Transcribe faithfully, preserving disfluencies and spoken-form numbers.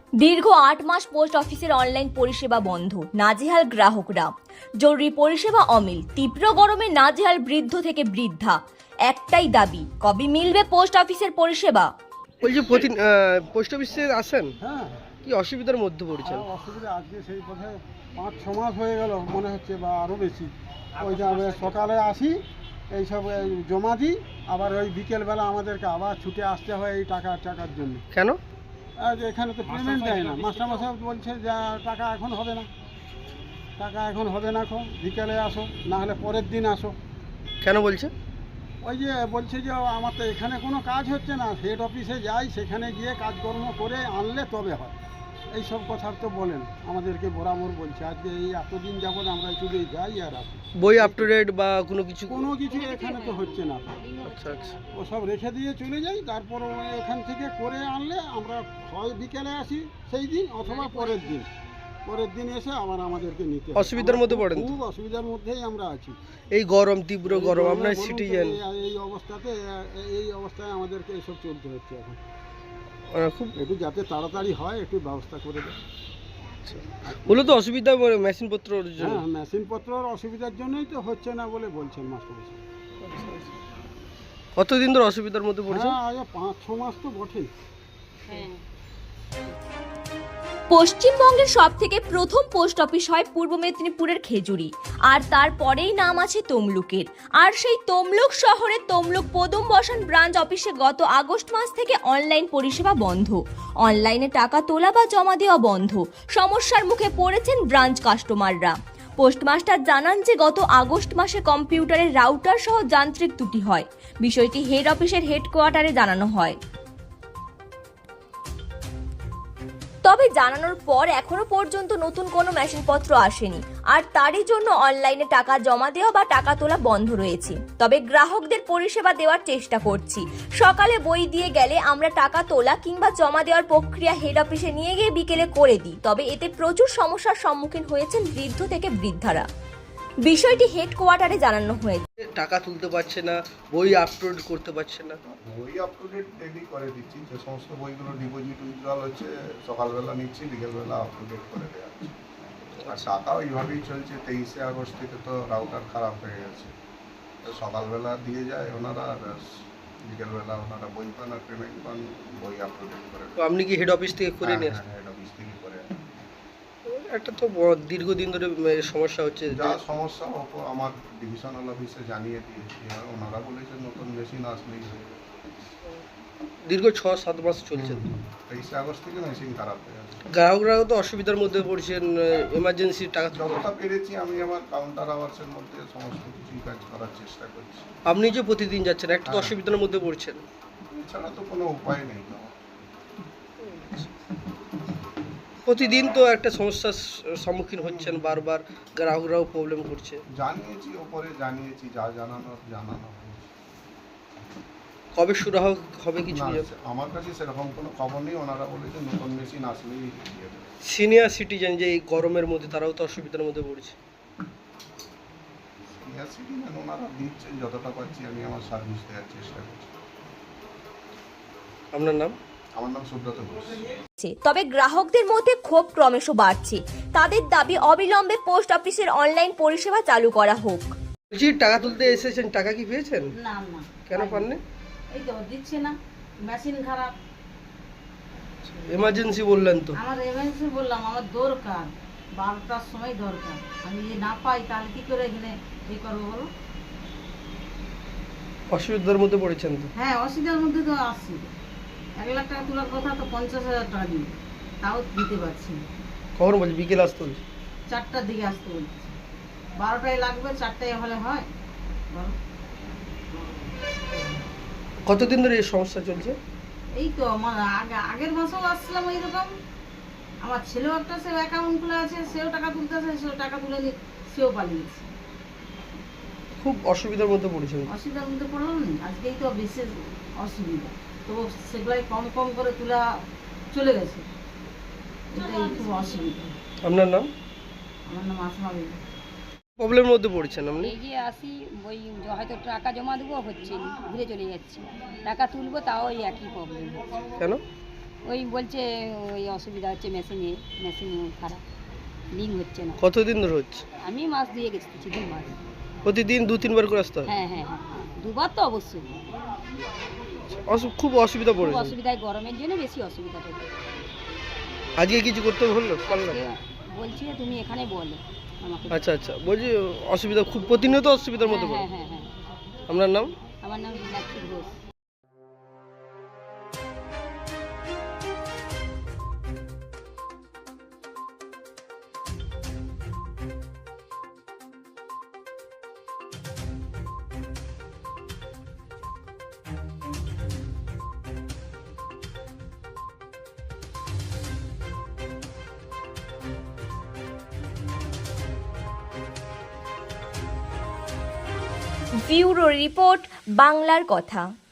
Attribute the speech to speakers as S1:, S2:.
S1: দীর্ঘ আট মাস পোস্ট অফিসের অনলাইন পরিষেবা বন্ধ, নাজেহাল গ্রাহকরা। জরুরি পরিষেবা অমিল, তীব্র গরমে নাজেহাল বৃদ্ধ থেকে বৃদ্ধা। একটাই দাবি, কবে মিলবে পোস্ট অফিসের পরিষেবা?
S2: বলছি প্রতি পোস্ট অফিসে আসেন,
S3: হ্যাঁ
S2: কি অসুবিধার মধ্যে পড়েছেন?
S3: আর অসুবিধা আজকে সেই পথে পাঁচ ছ মাস হয়ে গেল মনে হচ্ছে, বা আরও বেশি। ওই যে আমরা সকালে আসি, এইসব এই জমা দিই, আবার ওই বিকেলবেলা আমাদেরকে আবার ছুটে আসতে হয় এই টাকা টাকার জন্য।
S2: কেন?
S3: আর এখানে তো পেমেন্ট দেয় না, মাস্টারমশাই বলছে যে টাকা এখন হবে না, টাকা এখন হবে না, এখন বিকেলে আসো, না হলে পরের দিন আসো।
S2: কেন বলছে?
S3: ওই যে বলছে যে আমার তো এখানে কোনো কাজ হচ্ছে না, হেড অফিসে যাই, সেখানে গিয়ে কাজকর্ম করে আনলে তবে হয়। এই সব কথা তো বলেন আমাদেরকে বরাবর বলছে। আজকে এই এতদিন যাবৎ আমরা শুধু যাই আর আসি,
S2: বই আপ টু ডেট বা কোনো কিছু?
S3: কোনো কিছু এখানে তো হচ্ছে না।
S2: আচ্ছা আচ্ছা।
S3: ও সব রেখে দিয়ে চলে যাই, তারপর এখান থেকে করে আনলে আমরা হয় বিকেলে আসি সেই দিন, অথবা পরের দিন পরের দিন এসে আবার আমাদেরকে নিতে হয়।
S2: অসুবিধার মধ্যে পড়েন তো?
S3: খুব অসুবিধার মধ্যেই আমরা আছি।
S2: এই গরম, তীব্র গরম,
S3: এই
S2: আপনার
S3: বলুন তো,
S2: সিটিজেন,
S3: এই- এই অবস্থাতে এই অবস্থায় আমাদেরকে এসব চলতে হচ্ছে এখন।
S2: খুব
S3: একটু যাতে তাড়াতাড়ি হয় একটু ব্যবস্থা করে দেয়।
S2: মূলত অসুবিধা মেশিন পত্র জন্য।
S3: হ্যাঁ, মেশিনপত্রের অসুবিধার জন্যই তো হচ্ছে না বলে বলছেন মাস্টারমশাই।
S2: কতদিন ধরে অসুবিধার মধ্যে পড়েছে?
S3: হ্যাঁ, আজ পাঁচ ছ মাস তো বটেই।
S1: পশ্চিমবঙ্গের সব থেকে প্রথম পোস্ট অফিস হয় পূর্ব মেদিনীপুরের খেজুরি, আর তারপরেই নাম আছে তমলুকের। আর সেই তমলুক শহরে তমলুক পদম বসান ব্রাঞ্চ অফিসে গত আগস্ট মাস থেকে অনলাইন পরিষেবা বন্ধ। অনলাইনে টাকা তোলা বা জমা দেওয়া বন্ধ। সমস্যার মুখে পড়েছেন ব্রাঞ্চ কাস্টমাররা। পোস্টমাস্টার জানান যে গত আগস্ট মাসে কম্পিউটারের রাউটার সহ যান্ত্রিক ত্রুটি হয়। বিষয়টি হেড অফিসের হেডকোয়ার্টারে জানানো হয়। তবে জানানোর পর এখনো পর্যন্ত নতুন কোনো মেশিনপত্র আসেনি, আর তারই জন্য অনলাইনে টাকা জমা দেওয়া বা টাকা তোলা বন্ধ রয়েছে। তবে গ্রাহকদের পরিষেবা দেওয়ার চেষ্টা করছি। সকালে বই দিয়ে গেলে আমরা টাকা তোলা কিংবা জমা দেওয়ার প্রক্রিয়া হেড অফিসে নিয়ে গিয়ে বিকেলে করে দিই। তবে এতে প্রচুর সমস্যার সম্মুখীন হয়েছেন বৃদ্ধ থেকে বৃদ্ধারা। বিষয়টি হেডকোয়ার্টারে জানানো হয়েছে।
S2: টাকা তুলতে পারছে না, বই আপলোড করতে পারছে না।
S4: বই আপ টু ডেট ডেলি করে দিচ্ছি, যে সমস্ত বইগুলো ডিপোজিট উইথড্রল হচ্ছে সকালবেলা নিচ্ছি, বিকেলবেলা আপ টু ডেট করে দেওয়া হচ্ছে। আর টাকা ওইভাবেই চলছে। তেইশে আগস্ট থেকে তো রাউটার খারাপ হয়ে গেছে, তো সকালবেলা দিয়ে যায় ওনারা, আর বিকেলবেলা ওনারা বই পান আর পেমেন্ট পান, বই আপ টু ডেট করে
S2: তো আপনি কি হেড অফিস থেকে করে নিয়ে আসেন?
S4: হেড অফিস থেকে করে।
S2: একটা তো ব- দীর্ঘদিন ধরে এ, সমস্যা হচ্ছে।
S4: যা সমস্যা ওপর আমার ডিভিশনাল অফিসে জানিয়ে দিয়েছি, আর ওনারা বলেছে নতুন মেশিন আসলেই হয়ে যাবে।
S2: দীর্ঘ ছ সাত মাস চলছে।
S4: তেইশে আগস্ট থেকে মেশিন খারাপ হয়ে গেছে।
S2: গ্রাহকরাও তো অসুবিধার মধ্যে পড়ছেন, এমার্জেন্সি টাকা তুলতে।
S4: যতটা পেরেছি আমি আমার কাউন্টার আওয়ার্সের মধ্যে সমস্ত কিছুই কাজ করার চেষ্টা করছি।
S2: আপনি যে প্রতিদিন যাচ্ছেন, একটা তো
S4: হ্যাঁ।
S2: অসুবিধার মধ্যে পড়ছেন।
S4: এছাড়া তো কোনো উপায় নেই আমার।
S2: প্রতিদিন তো একটা সমস্যার স- সম্মুখীন হচ্ছেন, বারবার গ্রাহকরাও প্রবলেম করছে।
S4: জানিয়েছি, ওপরে জানিয়েছি, যা জানানোর জানানো হয়েছে।
S2: কবে শুরু হবে হবে কিছু
S4: না,
S2: জানেন?
S4: আমার কাছে সেরকম কোনো খবর নেই। ওনারা বলেছে নতুন মেশিন আসলেই দিয়ে দেবে।
S2: সিনিয়র সিটিজেন যে এই গরমের মধ্যে, তারাও তো অসুবিধার মধ্যে পড়ছে।
S4: সিনিয়র সিটিজেন ওনারা দিচ্ছেন, যতটা পাচ্ছি আমি আমার সার্ভিস দেওয়ার চেষ্টা করছি।
S2: আপনার নাম?
S4: আমার নাম সুব্রত ঘোষ।
S1: তবে গ্রাহকদের মধ্যে ক্ষোভ ক্রমশ বাড়ছে। তাদের দাবি অবিলম্বে পোস্ট অফিসের অনলাইন পরিষেবা চালু করা হোক।
S2: বলছি টাকা তুলতে এসেছেন, টাকা কি পেয়েছেন?
S5: না না,
S2: কেন পাননি?
S5: এই তো দিচ্ছে না, মেশিন খারাপ।
S2: এমার্জেন্সি বললেন তো।
S5: আমার এমার্জেন্সি বললাম, আমার দরকার, বারোটার সময় দরকার। আমি যদি না পাই তাহলে কি করে এখানে এই করবো বলো?
S2: অসুবিধার মধ্যে পড়েছেন তো।
S5: হ্যাঁ, অসুবিধার মধ্যে তো আসছি। এক লাখ টাকা তোলার কথা তো পঞ্চাশ হাজার টাকা দিই, তাও দিতে পারছি না।
S2: কখন বলছি বিকেল আসতে বলছি?
S5: চারটার দিকে আসতে বলছি, বারোটায় লাগবে, চারটায় হলে হয় বলো?
S2: কতদিন ধরে এই সমস্যা চলছে?
S5: এই তো আমার আগে আগের মাসেও আসছিলাম এইরকম। আমার ছেলেও একটা সে অ্যাকাউন্ট খুলে আছে, সেও টাকা তুলতেছে, সেও টাকা তুলে নি, সেও পালিয়েছে।
S2: খুব অসুবিধার মধ্যে পড়েছেন।
S5: অসুবিধার মধ্যে পড়লাম না, আজকেই তো বিশেষ অসুবিধা। তো সেগুলাই কম কম করে তোলা চলে গেছে, এটাই খুব অসুবিধা।
S2: আপনার নাম?
S5: আমার নাম আসমা বেগম।
S2: প্রবলেমের মধ্যে পড়েছেন আপনি?
S6: এই যে আসি, ওই জ- হয়তো টাকা জমা দেবো, হচ্ছে না, ঘুরে চলে যাচ্ছি। টাকা তুলবো, তাও ওই একই প্রবলেম।
S2: কেন?
S6: ওই বলছে ওই অসুবিধা হচ্ছে মেশিনে মেশিন খারাপ লিঙ্ক হচ্ছে না।
S2: কতদিন ধরে হচ্ছে?
S6: আমি মাস দিয়ে গেছি দু মাস।
S2: প্রতিদিন দু তিনবার করে আসতে হয়?
S6: হ্যাঁ হ্যাঁ হ্যাঁ দুবার তো অবশ্যই।
S2: অসু- খুব অসুবিধা
S6: খুব
S2: পড়েছে।
S6: অসুবিধায় গরমের জন্য বেশি অসুবিধাটা হচ্ছে।
S2: আজকে কিছু করতে বললো পারলাম?
S6: আজকে বলছি যে তুমি এখানে বলো আমাকে।
S2: আচ্ছা আচ্ছা, বলছি অসুবিধা খুব প্রতিনিয়ত অসুবিধার মধ্যে
S6: হ্যাঁ
S2: পড়ে।
S6: হ্যাঁ হ্যাঁ হ্যাঁ।
S2: আপনার নাম?
S6: আমার নাম মীনাক্ষী ঘোষ।
S1: ব্যুরো রিপোর্ট, বাংলার কথা।